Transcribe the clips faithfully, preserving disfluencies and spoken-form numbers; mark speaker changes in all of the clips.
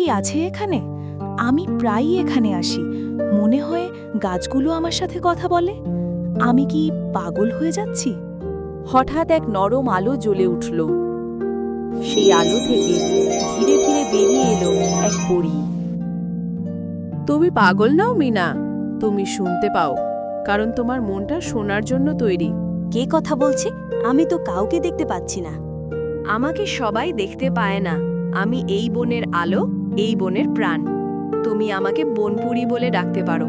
Speaker 1: কি আছে এখানে? আমি প্রায়ই এখানে আসি, মনে হয় গাছগুলো আমার সাথে কথা বলে। আমি কি পাগল হয়ে যাচ্ছি?
Speaker 2: হঠাৎ এক নরম আলো জ্বলে উঠল। সেই আলো থেকে ধীরে ধীরে বেরিয়ে এলো এক পরী। তুমি পাগল নাও মিনা, তুমি শুনতে পাও, কারণ তোমার মনটা শোনার জন্য তৈরি।
Speaker 3: কে কথা বলছে? আমি তো কাউকে দেখতে পাচ্ছি না।
Speaker 2: আমাকে সবাই দেখতে পায় না। আমি এই বনের আলো, এই বনের প্রাণ। তুমি আমাকে বনপুরি বলে ডাকতে পারো।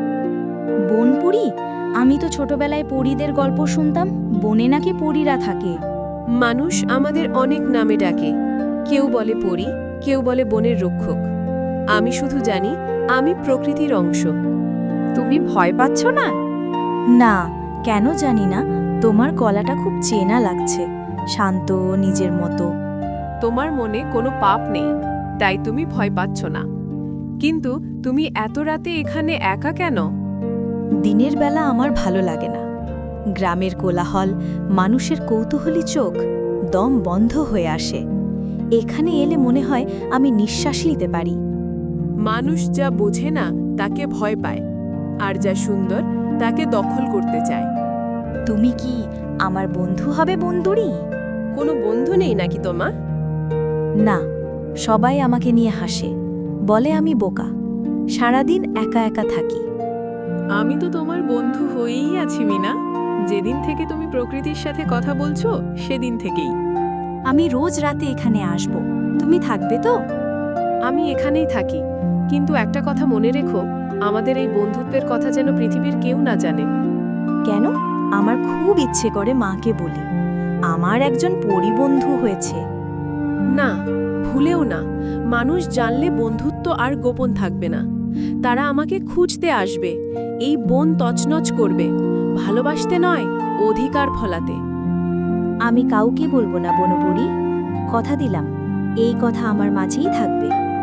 Speaker 3: বনপুরি? আমি তো ছোটবেলায় পরীদের গল্প শুনতাম, বনে নাকি পরীরা থাকে।
Speaker 2: মানুষ আমাদের অনেক নামে ডাকে, কেউ বলে পরী, কেউ বলে বনের রক্ষক। আমি শুধু জানি আমি প্রকৃতির অংশ। তুমি ভয় পাচ্ছ না?
Speaker 3: না, কেন জানি না, তোমার গলাটা খুব চেনা লাগছে, শান্ত, নিজের মতো।
Speaker 2: তোমার মনে কোনো পাপ নেই, তাই তুমি ভয় পাচ্ছ না। কিন্তু তুমি এত রাতে এখানে একা কেন?
Speaker 3: দিনের বেলা আমার ভালো লাগে না। গ্রামের কোলাহল, মানুষের কৌতূহলী চোখ, দম বন্ধ হয়ে আসে। এখানে এলে মনে হয় আমি নিঃশ্বাস নিতে পারি।
Speaker 2: মানুষ যা বোঝে না তাকে ভয় পায়, আর যা সুন্দর তাকে দখল করতে চায়।
Speaker 3: তুমি কি আমার বন্ধু হবে বন্ধুরি?
Speaker 2: কোনো বন্ধু নেই নাকি তোমার?
Speaker 3: না, সবাই আমাকে নিয়ে হাসে, বলে আমি বোকা, সারাদিন একা একা থাকি।
Speaker 2: আমি তো তোমার বন্ধু হয়েই আছি মিনা। যেদিন থেকে তুমি প্রকৃতির সাথে কথা বলছো সেদিন থেকেই।
Speaker 3: আমি রোজ রাতে এখানে আসব, তুমি থাকবে তো?
Speaker 2: আমি এখানেই থাকি, কিন্তু একটা কথা মনে রেখো, আমাদের এই বন্ধুত্বের কথা যেন পৃথিবীর কেউ না জানে।
Speaker 3: কেন? আমার খুব ইচ্ছে করে মাকে বলি আমার একজন পরিবন্ধু হয়েছে।
Speaker 2: না, ভুলেও না। মানুষ জানলে বন্ধুত্ব আর গোপন থাকবে না। তারা আমাকে খুঁজতে আসবে, এই বন তছনছ করবে, ভালোবাসতে নয়, অধিকার ফলাতে।
Speaker 3: আমি কাউকে বলবো না বনপুরি, কথা দিলাম, এই কথা আমার মাঝেই থাকবে।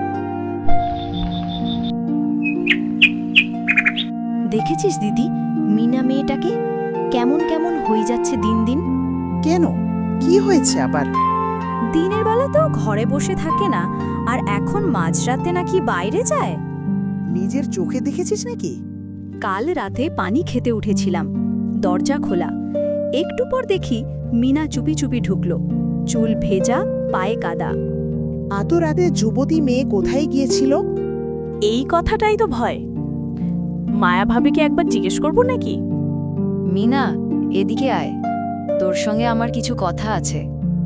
Speaker 3: দেখেছিস দিদি, মিনা মেয়েটাকে কেমন কেমন হয়ে যাচ্ছে দিন দিন।
Speaker 4: কেন, কি হয়েছে আবার?
Speaker 3: দিনের বেলা তো ঘরে বসে থাকে না, আর এখন মাঝরাতে নাকি বাইরে যায়।
Speaker 4: নিজের চোখে দেখেছিস নাকি?
Speaker 3: কাল রাতে পানি খেতে উঠেছিলাম, দরজা খোলা, একটু পর দেখি মিনা চুপি চুপি ঢুকলো, চুল ভেজা, পায়ে কাদা।
Speaker 4: এত রাতে যুবতী মেয়ে কোথায় গিয়েছিল?
Speaker 1: এই কথাটাই তো ভয়। মায়া ভাবিকে একবার জিজ্ঞেস করব নাকি?
Speaker 5: মিনা, এদিকে আয়, তোর সঙ্গে আমার কিছু কথা আছে।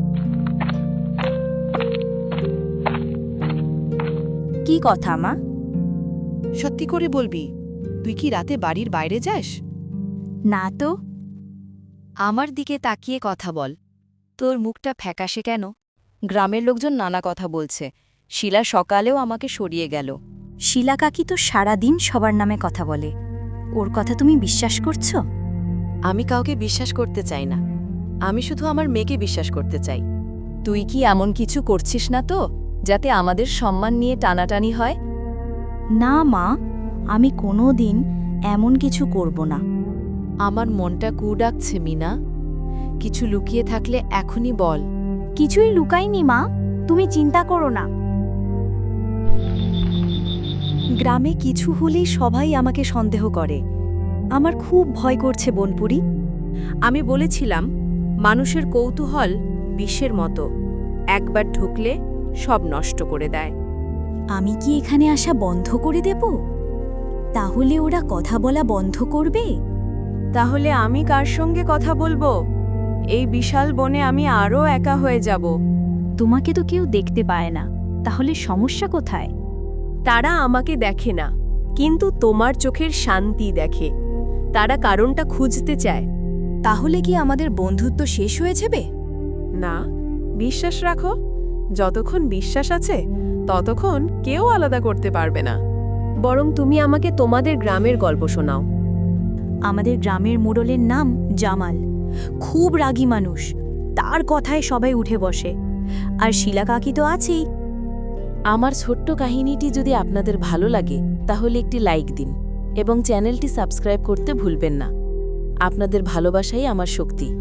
Speaker 3: কি কথা মা?
Speaker 5: সত্যি করে বলবি, তুই কি রাতে বাড়ির বাইরে যাস?
Speaker 3: না তো।
Speaker 5: আমার দিকে তাকিয়ে কথা বল। তোর মুখটা ফ্যাকাশে কেন? গ্রামের লোকজন নানা কথা বলছে। শিলা সকালেও আমাকে সরিয়ে গেল।
Speaker 3: শিলা কাকি তো সারাদিন সবার নামে কথা বলে, ওর কথা তুমি বিশ্বাস করছো?
Speaker 5: আমি কাউকে বিশ্বাস করতে চাই না, আমি শুধু আমার মেয়েকে বিশ্বাস করতে চাই। তুই কি এমন কিছু করছিস না তো, যাতে আমাদের সম্মান নিয়ে টানাটানি হয়?
Speaker 3: না মা, আমি কোনো দিন এমন কিছু করব না।
Speaker 5: আমার মনটা কু ডাকছে মিনা, কিছু লুকিয়ে থাকলে এখনই বল।
Speaker 3: কিছুই লুকাইনি মা, তুমি চিন্তা করো না। গ্রামে কিছু হলেই সবাই আমাকে সন্দেহ করে, আমার খুব ভয় করছে বনপুরি।
Speaker 2: আমি বলেছিলাম, মানুষের কৌতূহল বিষের মতো, একবার ঢুকলে সব নষ্ট করে দেয়।
Speaker 3: আমি কি এখানে আসা বন্ধ করে দেব? তাহলে ওরা কথা বলা বন্ধ করবে।
Speaker 2: তাহলে আমি কার সঙ্গে কথা বলবো? এই বিশাল বনে আমি আরও একা হয়ে যাব।
Speaker 3: তোমাকে তো কেউ দেখতে পায় না, তাহলে সমস্যা কোথায়?
Speaker 2: তারা আমাকে দেখে না, কিন্তু তোমার চোখের শান্তি দেখে। তারা কারণটা খুঁজতে চায়।
Speaker 3: তাহলে কি আমাদের বন্ধুত্ব শেষ হয়ে যাবে?
Speaker 2: না, বিশ্বাস রাখো, যতক্ষণ বিশ্বাস আছে ততক্ষণ কেউ আলাদা করতে পারবে না। বরং তুমি আমাকে তোমাদের গ্রামের গল্প শোনাও।
Speaker 3: আমাদের গ্রামের মোড়লের নাম জামাল, খুব রাগী মানুষ, তার কথায় সবাই উঠে বসে। আর শিলা কাকি তো আছেই।
Speaker 2: আমার ছোট্ট কাহিনীটি যদি আপনাদের ভালো লাগে তাহলে একটি লাইক দিন এবং চ্যানেলটি সাবস্ক্রাইব করতে ভুলবেন না। আপনাদের ভালোবাসাই আমার শক্তি।